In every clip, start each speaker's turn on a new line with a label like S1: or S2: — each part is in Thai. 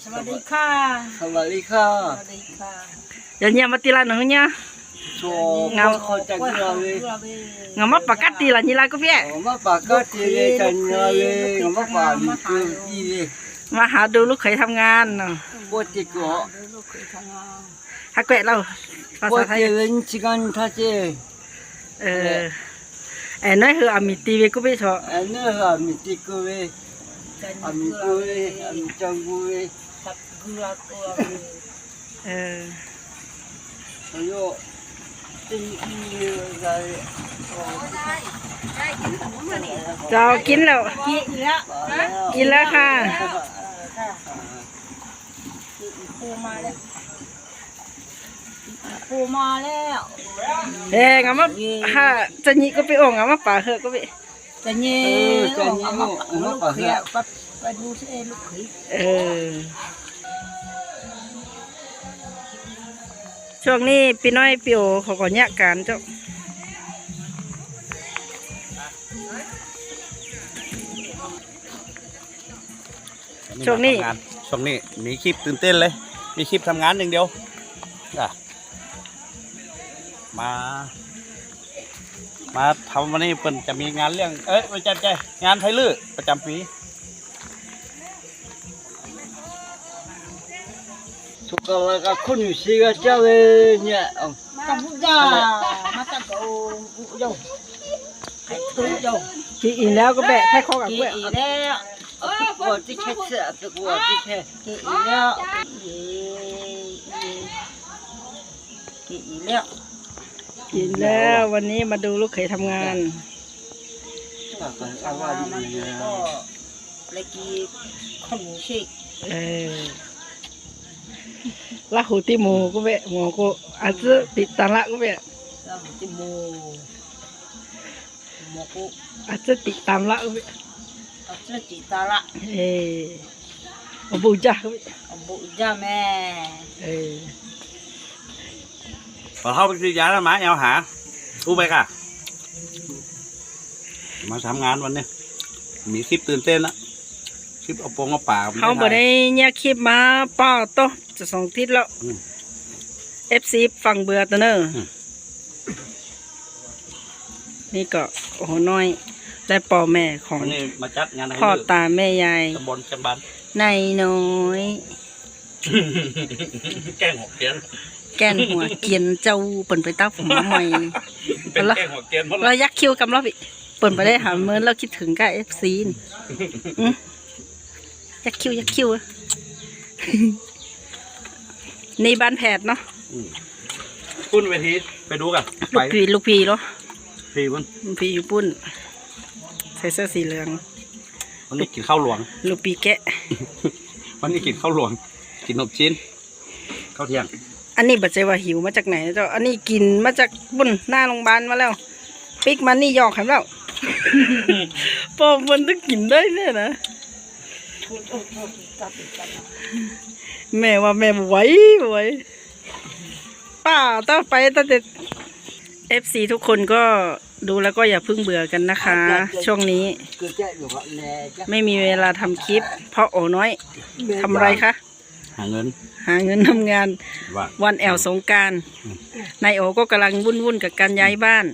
S1: สวัสดีค่ะ
S2: สวัสดีค่ะ
S1: สวัสดีค่ะ
S3: อย่าเงียบมาตีละหนึ่งเนี่ย
S2: โชว์เขาจะกินอะไร
S3: งามาปากกัดตีละนี่ละก็เพี่
S2: มาปากก็ตีเลยจันอะไรมาปากมีคืออีเลย
S3: มาหาดูลูกเขยทำงานเนาะ
S2: ปวดที่ก็
S3: ฮักเกะเราภา
S2: ปว
S3: ษา
S2: ด
S3: ไทย
S2: ที่เล่นชิกันท่าเจ
S3: น้อยคืออามิตีเวกุเปชอ
S2: อันนี้อามิติกุเวอามิกุเวอามิจังกุเว
S1: ทับกุลากุลา
S2: อายุตีอีอะไร
S3: เจ้ากินแล้วกินแล้วค่ะ
S1: ปูมาแล้วปูมาแล้ว
S3: งามาฮะจะนี่ก็ไปอ่งงามาป่าเหอะก็ไป
S1: จะเงี้ยเอามาลูกเขยไปดูสิลูกเขย
S3: ช่วงนี้พี่น้อยพี่โอเขาก็แยกกันเจ้าช่วงนี้
S4: มีคลิปตื่นเต้นเลยมีคลิปทำงานอย่างเดียวมาทำวันนี้เปิ่นจะมีงานเรื่องประจำใจงานไทยลื้อประจำปี
S2: สุขภาพคนอยู่สิกาเจ้าเลยเนี่ย
S1: จับบุญจ้ามาจับกูโย่ไอ้ทุโย่
S3: กินอีแล้วก็แบะให้ข้อกับ
S1: กี่
S3: เว้ย
S1: อีแล้ว
S2: ปวดที่แค่เสียปวดที่แค่
S1: กี่อีแล้วกี่อีแล้ว
S3: กินแล้ววันนี้มาดูลูกเขยทำงาน
S1: ก็เลยกี่คนชิ
S3: ละหูติหมูก็เวะหมูก็อาจจะติดตาละก็เวะ
S1: ละหูติหมูก็
S3: อาจจะติดตามละก็เวะ
S1: อาจจะติดตาละ
S3: อบูจ้าก็เวะ
S1: อบูจ้าแม่
S4: พอเข้าไปซื้อยาแล้วมาเอาหาอู้ไปค่ะมาทำงานวันนี้มีคลิปตื่นเต้นนะคลิปเอาปงเอาป่า
S3: เขาบอกได้เนี่ยคลิปมาป้าโตจะ2 ทิศแล้ว FC ฟังเบื่อตัวเนอะนี่ก็โอ้โหน้อยได้ป่อแม่ของ
S4: มาจัดงาน
S3: พ่อตาแม่ยาย
S4: ตำบลจันบัน
S3: นายน้อย
S4: แกงหัวเกียน
S3: แกนหัวเกียนเจ้าเปิ่นไปตั้งผมมาใหม่
S4: เป็นแกงหัวเกียน
S3: เรายักคิวกับเราพี่เปิ่นไปได้หาเมื่อเราคิดถึงกับ FC ยักคิวนี่บ้านแผดเนาะ
S4: ปุ้นเวทีไปดูกัน
S3: ลูกพีเหรอ
S4: พีปุ้น
S3: พีอยู่ปุ้นใส่เสื้อสีเหลือง
S4: วันนี้กินข้าวหลวง
S3: ลูกปีแกะ
S4: วันนี้กินข้าวหลวงกิน6 ชิ้นข้าวเที่ยง
S3: อันนี้บัดใจว่าหิวมาจากไหนเจ้าอันนี้กินมาจากบุญหน้าโรงพยาบาลมาแล้วปิ๊กมันนี่หยอกให้แล้วพอมันต้องกินได้เนี่ยนะแม่ว่าแม่ไหวป้าต้องไปตั้งแต่ FC ทุกคนก็ดูแล้วก็อย่าเพิ่งเบื่อกันนะคะ ช่วงนี้ไม่มีเวลาทำคลิปเพราะโอน้อยทำอะไรคะ
S4: หาเงิน
S3: ทำงานวันแอวสงกรานต์นายโอก็กำลังวุ่นกับการย้ายบ้าน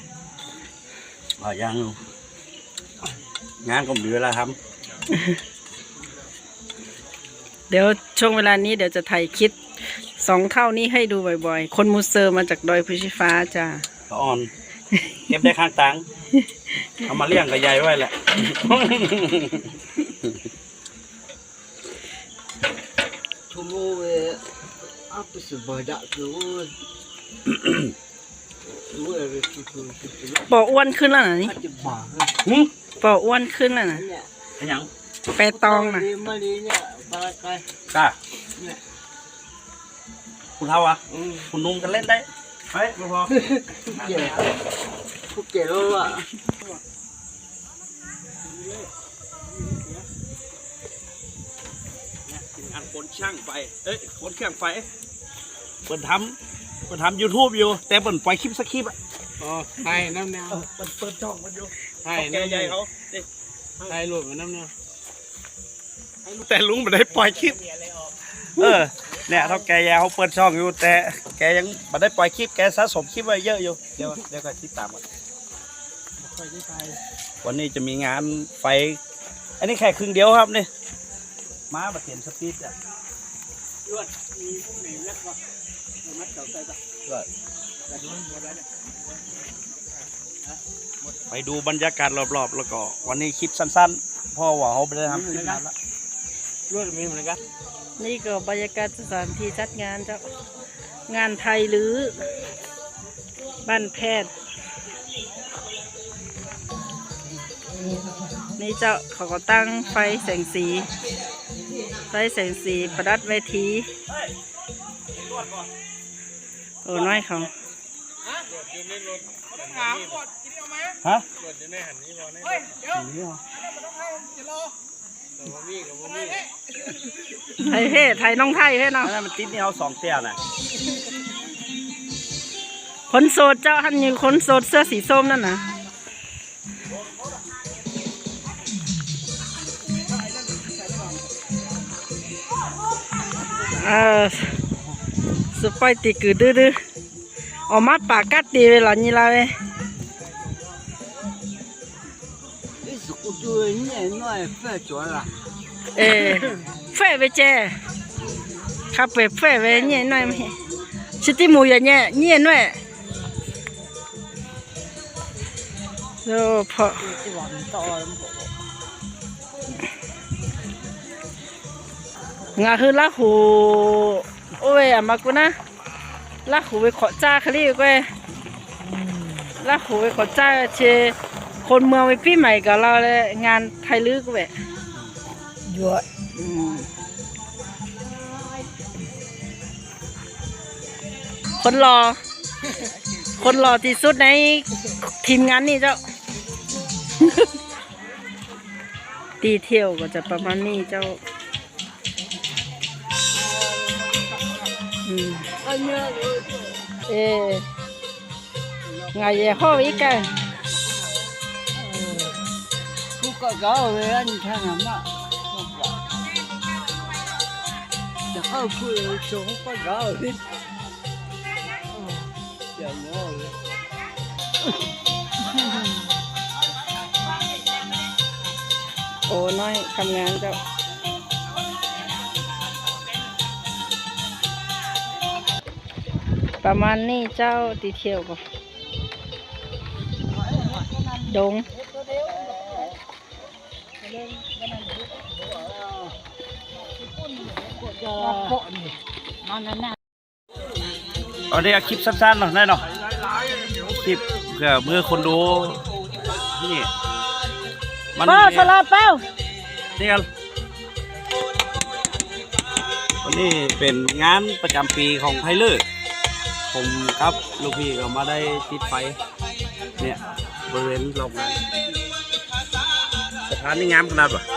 S4: ยังงานก็มีเวลาทำ
S3: เดี๋ยวช่วงเวลานี้เดี๋ยวจะถ่ายคลิป2 เท่านี้ให้ดูบ่อยๆคนมูเซอร์มาจากดอยพุชิฟ้าจ้า
S4: อ่อนเก็บได้ข้างตังเอามาเลี้ยงกับยายไว้แหละ
S2: ชั่วโมงapa sebadak tu
S3: ปออ้วนขึ้นแล้วนะนี่ปออ้วนขึ้นแล้วนะ
S4: ยัง
S3: แปรตองนะ
S4: กล้าคุณเท่าอ่ะคุณนุ่งกันเล่นได้ไปไม่พอ
S2: พวกเก๋แล้วอ่ะ
S4: งานคนช่างไฟคนเครื่องไฟเปิดทำ YouTube อยู่แต่เปิดปล่อยคลิปสักคลิปอ่ะ
S2: ใช่น้ำแนว
S4: เปิดช่องมันอยู่
S2: ใช่
S4: แกใหญ่เขา
S2: ใช่หลุดมาน้ำแนว
S4: แต่ลุงไม่ได้ปล่อยคลิปเนี่ยเท่าแกยาเขาเปิดช่องอยู่แต่แกยังไม่ได้ปล่อยคลิปแกสะสมคลิปไว้เยอะอยู่เดี๋ยวก็ติดตามกันวันนี้จะมีงานไฟอันนี้แค่ครึ่งเดียวครับนี่ม้าบัดเห็นสปีดอ่ะมีพวกไหนแล้วก็มัดเก่าใส่ปะไปดูบรรยากาศรอบๆแล้วก็วันนี้คลิปสั้นๆพ่อว่าเขาไปได้ทำคลิปนานละรวดมีเหมือนกัน
S3: นี่ก็บรรยากาศสถานที่จัดงานเจ้า งานไทยหรือบ้านแพทย์ นี่เจ้าเขาก็ตั้งไฟแสงสีประดับเวทีโอ้น้อยเขา
S4: ฮะ
S3: ไทยเฮ้ไทยน้องไทยเฮ้เนาะ
S4: อันนั้นมันติดนี่เอา2 เตี้ยน่ะ
S3: คนโสดเจ้าท่านอยู่คนโสดเสื้อสีส้มนั่นนะสุดไปตีกือดื้อออกมาปากกัดตีเวลานี้ละเว้ย
S2: 你是我做年那发着了，
S3: เอเฟ่ไปเจขับไปเฟ่ไปเนี่ยหน่อยไหมชิติมูอย่างเนี่ยหน่อยโอ้พองาคือละหูโอ้ยอามากูนะละหูไปขอจ้าคลีก็ละหูไปขอจ้าเชคนเมืองไปปีใหม่กับเราเลยงานไทยลึกก็แบบเยอะคนรอที่สุดในทีมงานนี่เจ้า ตีเที่ยวก็จะประมาณนี้เจ้าไงเย่ห้ออีกกัน
S2: 不搞搞的，你看看嘛，这好贵，中不搞的，小猫的。
S3: โอ้น้อยทำงานเจ้าประมาณนี้เจ้าตีเที่ยวก็ดง
S4: เอาได้คลิปสั้นๆหน่อยได้เนาะคลิปเพื่อเมื่อคนดูนี่มัน
S3: เป้าสลับเป้า
S4: นี่กันวันนี้เป็นงานประจำปีของไทเลอร์ผมครับลูกพี่ก็มาได้ติดไฟเนี่ยบริเวณรอบงานสถานนี่งามขนาดวะ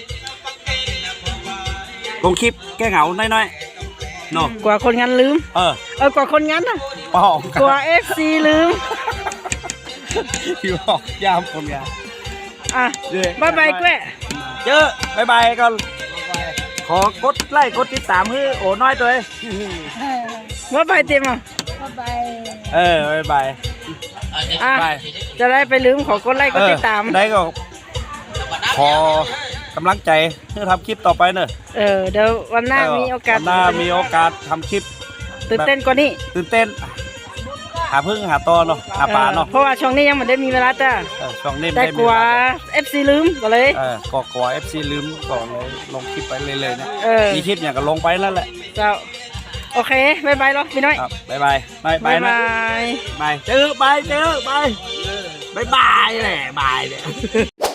S4: ลงคลิปแก้เหงาน้อยๆเนาะ
S3: กว่าคนงานลืมกว่าคนงานน่ะ
S4: ป้อง
S3: กว่า FC ลืม
S4: พี่บอกยามคนงาน
S3: อ่ะบายบายแกวะ
S4: เจอบายบายก่อนขอกดไลค์กดติดตามให้โอ้น้อยตัวเอง
S3: บายบายเต็มอ่ะ
S4: บายบาย
S3: อ่ะ
S4: บาย
S3: จะได้ไปลืมขอกดไลค์กดติดตาม
S4: ได้ก็ขอกำลังใจเพื่อทำคลิปต่อไปเนอะ
S3: เดี๋ยววันหน้ามีโอกาส
S4: วันหน้ามีโอกาสทำคลิป
S3: ตื่นเต้นกว่านี้
S4: ตื่นเต้นหาพึ่งหาตอเนาะหาปลาเนาะ
S3: เพราะว่าช่วงนี้ยังไม่ได้มีเวลาจ้า
S4: ช่องนี้
S3: แต่
S4: ไม่
S3: ก
S4: มี
S3: ลัว
S4: เวลา
S3: FC ลืมก็เลย
S4: ก็กลัว FC ลืมก่อนเลยลงคลิปไปเลยๆนะ
S3: มี
S4: มีคลิปอย่างก็ลงไปนั่นแหละ
S3: เจ้าโอเคบายบายหรอพี่น้อย
S4: ครับบายบายบาย
S3: บาย
S4: นะ
S3: บาย
S4: บายเจอบายบายบายแหละบายเนี่ย